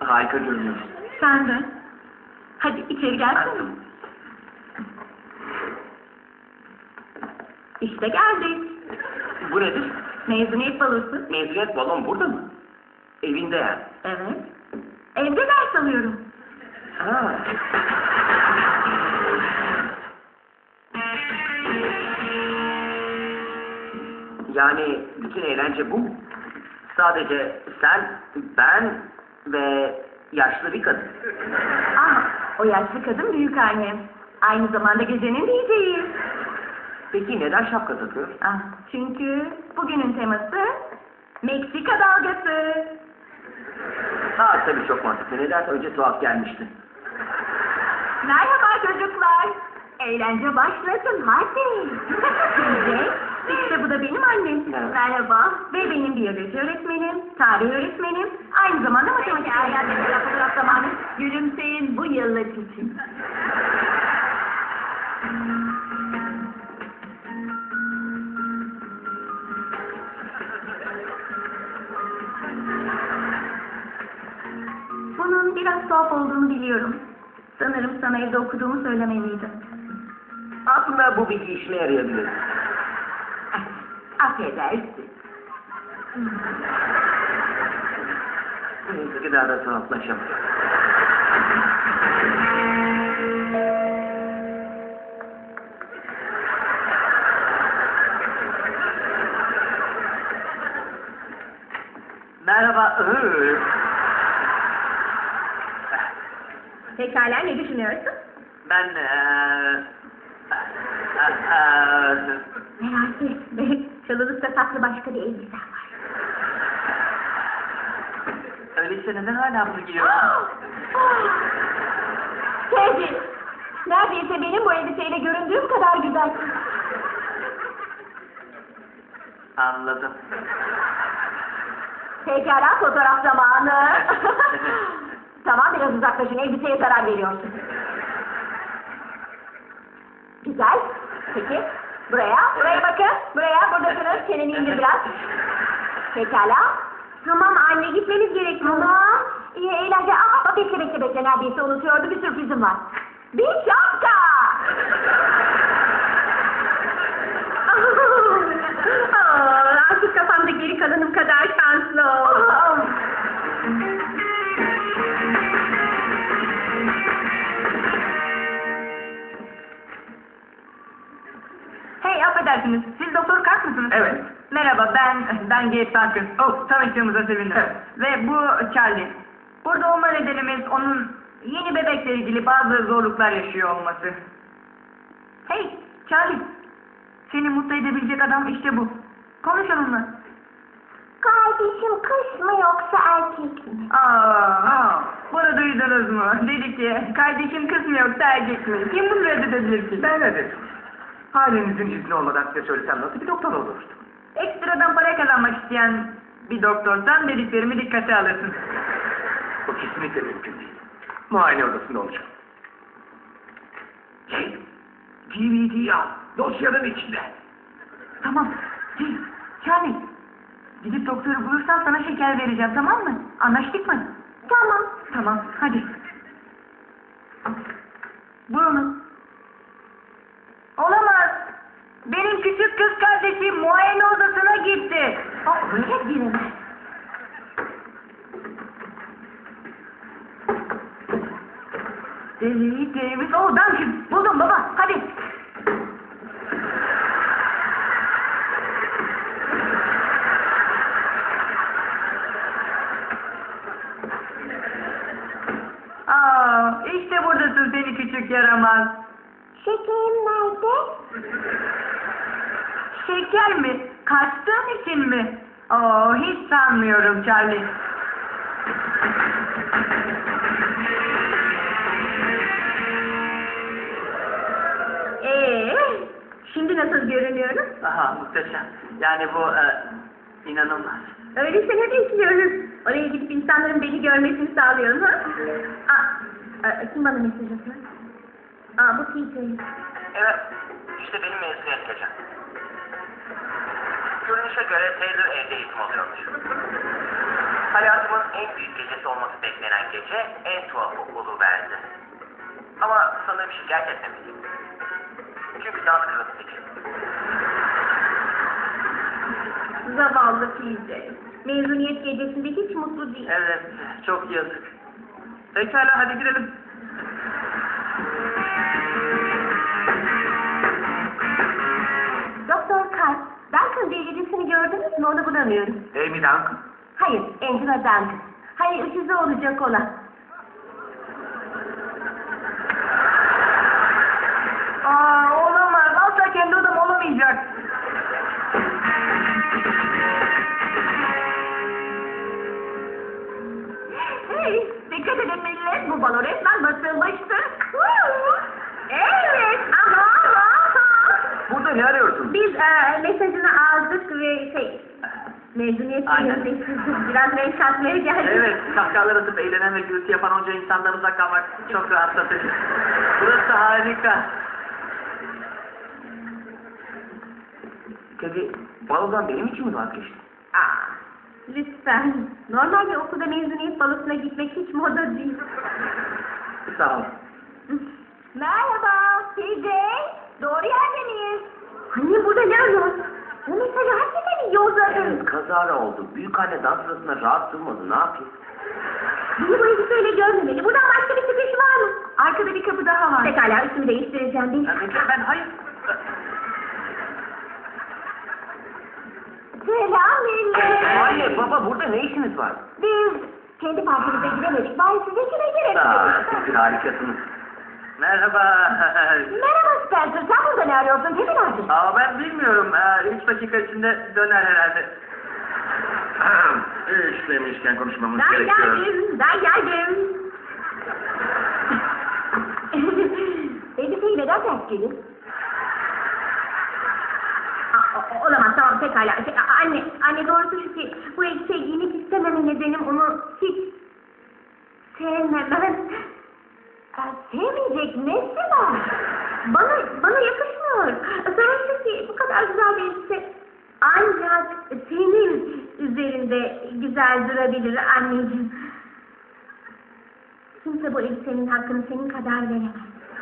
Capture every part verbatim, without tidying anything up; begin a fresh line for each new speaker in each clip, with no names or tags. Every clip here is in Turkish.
harika görünüyorsun.
Sen de. Hadi içeri gelsene. İşte geldik.
Bu nedir?
Mezuniyet balosu.
Mezuniyet balon burada mı? Evinde yani.
Evet. Evde ders alıyorum.
Ha. Yani bütün eğlence bu mu? Sadece sen, ben ve yaşlı bir kadın.
Ah, o yaşlı kadın büyük annem. Aynı zamanda gecenin D J'yi.
Peki neden şapka takıyor?
Ah, çünkü bugünün teması Meksika dalgası.
Ha tabii çok mantıklı. Nedense önce tuhaf gelmişti.
Merhaba çocuklar. Eğlence başlasın hadi. Şimdi işte bu da benim annem.
Merhaba.
Merhaba. Ve benim biyoloji öğretmenim, tarih öğretmenim, aynı zamanda matematik öğretmenim. Fotoğraf zamanı. Gülümseyin bu yıllık için. Bunun biraz tuhaf olduğunu biliyorum. Sanırım sana evde okuduğumu söylemeliydim.
Aslında bu bilgi işime yarayabilir.
Affedersin.
Neyse ki daha da tuhaflaşamam. Merhaba. Iı.
Pekala ne düşünüyorsun?
Ben eee... eee...
Merak etme. Çalılıkta saklı başka bir elbisen var.
Öyleyse neden hala bunu giyiyorsun?
Teddy, neredeyse benim bu elbiseyle göründüğüm kadar güzel.
Anladım.
Pekala fotoğraf zamanı. Tamam biraz uzaklaşın, elbiseye zarar veriyorsun. Güzel. Peki, buraya, buraya bakın. Buraya, buradasınız. Çeneni indir biraz. Pekala. Tamam anne, gitmemiz gerekiyor. Tamam. İyi eğlence. Aa, bekle bekle bekle, neredeyse unutuyordu. Bir sürprizim var. Bir şapka. Aa, artık kafamda geri kalanım kadar şanslı ol. Hey affedersiniz, siz Doktor Kart mısınız?
Evet.
Merhaba, ben ben Gabe Parker. Oh, tanıştığımıza sevindim.
Evet.
Ve bu Charlie. Burada olma nedenimiz onun yeni bebekle ilgili bazı zorluklar yaşıyor olması. Hey Charlie, seni mutlu edebilecek adam işte bu. Konuş onunla.
Kardeşim kız mı yoksa erkek mi?
Aa, bunu duydunuz mu? Dedi ki, kardeşim kız mı yoksa erkek mi? Kim bunu reddedebilir ki?
Ben ne dedim? Ailenizin izni olmadan size söylesem nasıl bir doktor olurdu?
Ekstradan para kazanmak isteyen bir doktorsan dediklerimi dikkate alırsın.
Bu kesinlikle mümkün değil. Muayene odasında olacağım. Hey, D V D al. Dosyanın içinde.
Tamam. Hey, Charlie. Gidip doktoru bulursan sana şeker vereceğim, tamam mı? Anlaştık mı?
Tamam.
Tamam, hadi. Bul onu. Olamaz. Benim küçük kız kardeşim muayene odasına gitti.
O öyle biri mi?
Deli, Davis, oh Duncan. Buldum baba, hadi. Aa, işte buradasın seni küçük yaramaz.
Şekerim nerede?
Şeker mi? Kaçtığın için mi? Oo, hiç sanmıyorum Charlie. Ee, şimdi nasıl görünüyorum?
Aha muhteşem. Yani bu e, inanılmaz.
Öyleyse ne bekliyoruz? Oraya gidip insanların beni görmesini sağlıyorum ha? Aa, aa, kim bana mesaj atıyor? Aa, bu Peter.
Evet, işte benim mezuniyet gecem. Görünüşe göre Taylor evde eğitim alıyormuş. Hayatımın en büyük gecesi olması beklenen gece en tuhafı oluverdi. Ama sanırım şikayet etmemeliyim. Çünkü dans kralı seçildi.
Zavallı P J. Mezuniyet gecesinde hiç mutlu değil.
Evet, çok yazık. Pekala, hadi girelim.
Doktor Carr, Duncan derecesini gördünüz mü? Onu bulamıyorum.
Amy Duncan.
Hayır, Angela Duncan. Hayır, üçüzü olacak olan.
Aa, olamaz. Asla kendi odam olamayacak.
Hey, dikkat edin millet, bu balo resmen basılmıştı. Evet, aha, aha.
Burada ne arıyorsun?
Biz e, mesajını aldık ve şey, mezuniyet
Aynen.
gününde biraz renk katmaya geldik.
Evet, kahkahalar atıp eğlenen ve gürültü yapan onca insandan uzak kalmak çok rahatlatıcı. Burası harika. Teddy, balodan benim için mi vazgeçtin?
Aa, lütfen. Normalde okulda mezuniyet balosuna gitmek hiç moda değil.
Sağ ol.
Merhaba, P J. Doğru yerde miyiz? Anne burada ne arıyorsun? Bu mesajı hakikaten iyi yolladın.
Kazara oldu. Büyükanne dans sırasında rahat durmadı. Ne yapayım?
Beni bu elbise öyle görmemeli. Buradan başka bir çıkış var mı? Arkada bir kapı daha var. Pekala, üstümü değiştireceğim. Değil.
Ben, ben hayır.
Selam millet.
Anne, baba burada ne işiniz var?
Biz kendi partimize gidemedik. Bari sizinkine girelim.
Aa, siz harikasınız. Merhaba.
Merhaba Spencer. Sen burada ne arıyorsun? Teddy nerede?
Aa, ben bilmiyorum. Ee, üç dakika içinde döner herhalde.
İş demişken konuşmamız
Ben
gerekiyor.
geldim. Ben geldim. Elbiseyi neden ters giydin? Aa, o- Olamaz, tamam, pekala. Şey, a- Anne, anne doğrusu şu ki bu elbiseyi giymek istememe nedenim onu hiç sevmemem. Aa, Sevmeyecek nesi var? Bana, bana yakışmıyor. Sorun şu ki bu kadar güzel bir elbise ancak senin üzerinde güzel durabilir anneciğim. Kimse bu elbisenin hakkını senin kadar veremez.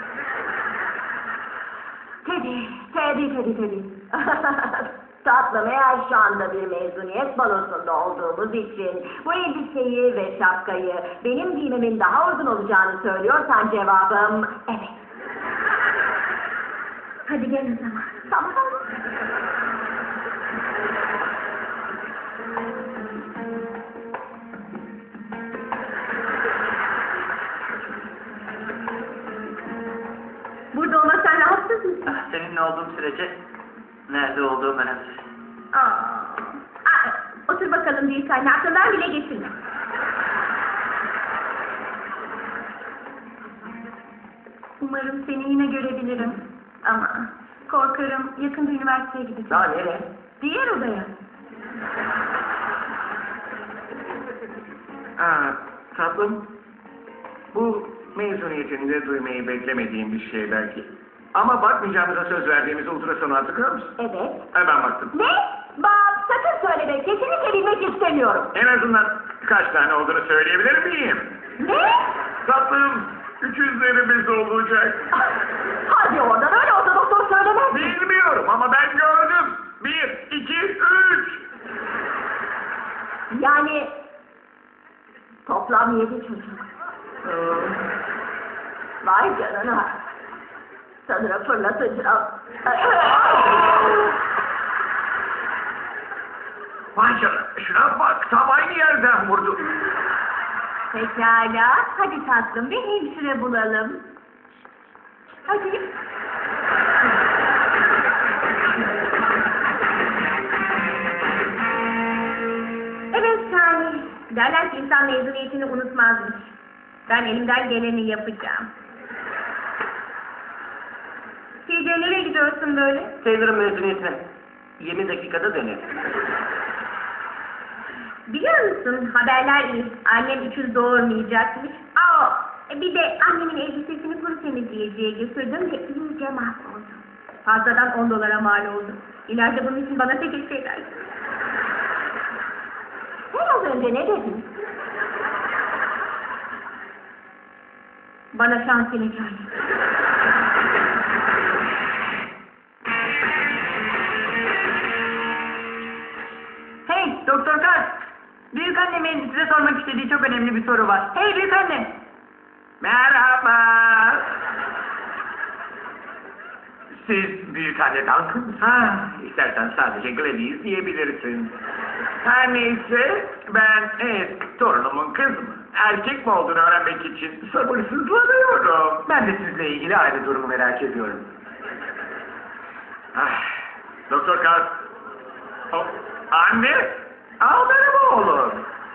Teddy, Teddy, Teddy, Teddy. Tatlım, eğer şu anda bir mezuniyet balosunda olduğumuz için bu elbiseyi ve şapkayı benim giymemin daha uygun olacağını söylüyorsan cevabım evet. Hadi gel o zaman. Tamam. Burada olmaktan rahatsız mısın?
Seninle olduğum sürece nerede olduğum önemli.
Aa, aa, otur bakalım büyük anne, aklından bile geçirme. Umarım seni yine görebilirim. Ama korkarım yakında üniversiteye gideceğim.
Daha nereye?
Diğer odaya.
Aa, tatlım, bu mezuniyetinde duymayı beklemediğim bir şey belki. Ama bakmayacağımıza söz verdiğimiz ultrasonu hatırlıyor musun?
Evet.
Hemen baktım.
Ne? Bak sakın söyleme, kesinlikle bilmek istemiyorum.
En azından kaç tane olduğunu söyleyebilir miyim?
Ne?
Tatlım, üç yüzlerimiz olacak.
Hadi oradan, öyle olsa doktor söylemez.
Bilmiyorum ama ben gördüm. Bir, iki, üç.
Yani toplam yedi çocuk. Vay canına. Sanırım fırlatacağım.
Vay canına, şuna bak, tam aynı yerden vurdu.
Pekala. Hadi tatlım, bir hemşire bulalım. Hadi. Evet Sani. Derler ki insan mezuniyetini unutmazmış. Ben elimden geleni yapacağım. P J, nereye gidiyorsun böyle?
Taylor'ın mezuniyetine. yirmi dakikada döner.
Biliyor musun, haberler iyi. Annem üçüz doğurmayacakmış. Aa, bir de annemin elbisesini kuru temizleyiciye götürdüm ve iyice mahvoldum. Fazladan on dolara mal oldu. İleride bunun için bana teşekkür edersin. Sen az önce ne dedin? Bana şans dileyeceğim.
Hey Doktor Kaz. Büyük annemin size sormak istediği çok önemli bir soru var. Hey büyük anne.
Merhaba. Siz büyük anne Duncan. Ha, istersen sadece Gladys diyebilirsin. Her neyse ben eski torunumun kız mı? Erkek mi olduğunu öğrenmek için sabırsızlanıyorum. Ben de sizle ilgili aynı durumu merak ediyorum. Ah, Doktor Kaz. Oh, anne. Aa, merhaba oğlum.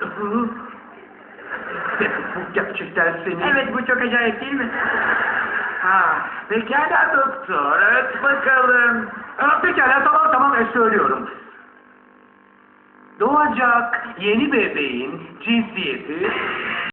Bu gerçekten senin...
Evet bu çok acayip değil mi?
Ha, pekala doktor, öt bakalım. Ha, pekala, tamam tamam, e, söylüyorum. Doğacak yeni bebeğin cinsiyeti